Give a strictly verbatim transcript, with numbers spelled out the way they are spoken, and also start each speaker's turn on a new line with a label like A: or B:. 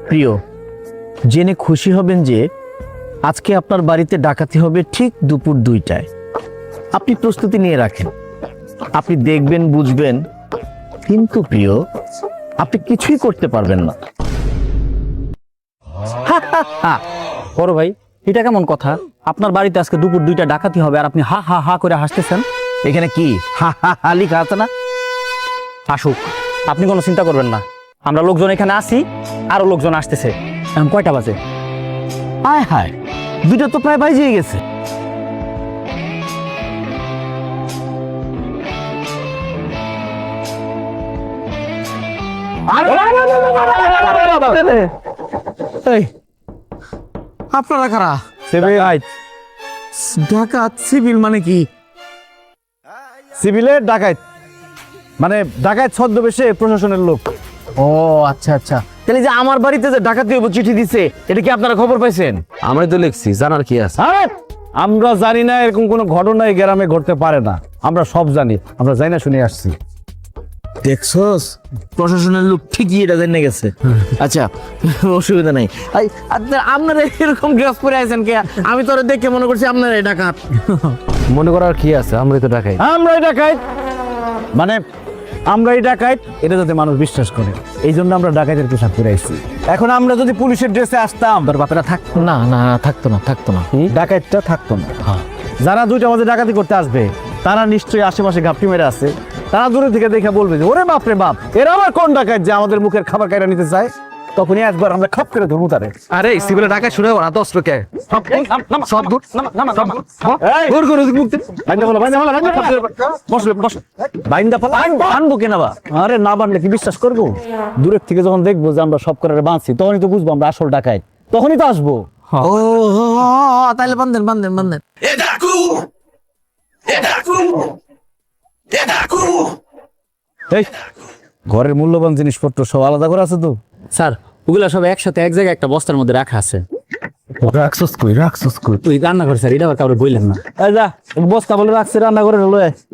A: প্রিয়, জেনে খুশি হবেন যে আজকে আপনার বাড়িতে ডাকাতি হবে ঠিক দুপুর দুইটায়। আপনি প্রস্তুতি নিয়ে রাখেন, আপনি দেখবেন, বুঝবেন, কিন্তু প্রিয় আপনি কিছুই করতে পারবেন না।
B: বড় ভাই, এটা কেমন কথা? আপনার বাড়িতে আজকে দুপুর দুইটা ডাকাতি হবে আর আপনি হা হা হা করে হাসতেছেন।
A: এখানে কি হা হা হা লেখা আছে না?
B: আসুক, আপনি কোনো চিন্তা করবেন না। আমরা লোকজন এখানে আসি, আরো লোকজন আসতেছে। এখন কয়টা বাজে?
A: হায় হায়, দুইটা তো প্রায় বাজিয়ে গেছে। এই, আপনারা কারা? ডাকাত সিভিল মানে কি?
C: সিভিলের ডাকাত মানে ডাকাত ছদ্মবেশে প্রশাসনের লোক।
A: ও আচ্ছা আচ্ছা, তাহলে যে আমার বাড়িতে যে ডাকাতি হইব চিঠি দিছে, এটা কি আপনারা খবর পাইছেন?
C: আমরাই তো লিখছি, জানার কি আছে? আমরা জানি না এরকম কোনো ঘটনা এই গ্রামে ঘটতে পারে না। আমরা সব জানি, আমরা জানি না শুনে আসছি।
A: দেখছস, প্রশাসনের লোক ঠিকই এটা জেনে গেছে। আচ্ছা, অসুবিধা নাই। এই, আপনারা আপনারা এরকম ড্রেস পরে আছেন কে? আমি তো ওরা দেখে মনে করছি আপনারা ডাকাত।
C: মনে করার কি আছে, আমরাই তো ডাকাত। আমরাই ডাকাত মানে আমরাই ডাকাত, এটা যাতে মানুষ বিশ্বাস করে, এই জন্য আমরা ডাকাতের পোশাক পরে আসছি। এখন আমরা যদি পুলিশের ড্রেসে আসতাম,
B: তোর বাপেরা থাক।
A: না না থাকতো না, থাকতো না।
C: ডাকাতটা থাকতো না। যারা দুইটা মাঝে ডাকাতি করতে আসবে, তারা নিশ্চয়ই আশেপাশে ঘাপটি মেরে আছে। তারা দূরে থেকে দেখে বলবে যে ওরে বাপ রে বাপ, এরা আবার কোন ডাকাত যে আমাদের মুখের খাবার কাইরা নিতে চায়। তখনই একবার আমরা খপ করে ধরবো তারে।
D: আরে সিভিলে ডাকাত শুনে ওরা তো অস্ত্র কে সব দূর
C: বাইন্দা ফেলা আনবো কেনা বা? আরে না বানলে কি বিশ্বাস করবো? দূরের থেকে যখন দেখবো যে আমরা সব করে বাঁধছি, তখনই তো বুঝবো আমরা আসল ডাকাত, তখনই তো আসবো।
A: ও তাহলে বান্ধেন বান্ধেন বান্ধেন।
C: এই ঘরের মূল্যবান জিনিসপত্র সব আলাদা করে আছে তো?
B: স্যার, ওগুলা সব একসাথে এক জায়গায় একটা বস্তার মধ্যে রাখা আছে।
C: রাখছস কই রাখছস কই?
B: তুই রান্না করে স্যার, এটা আবার কাউরে বললেন না।
C: এই যা বস্তা বলে রাখছে রান্না করে লয়ে।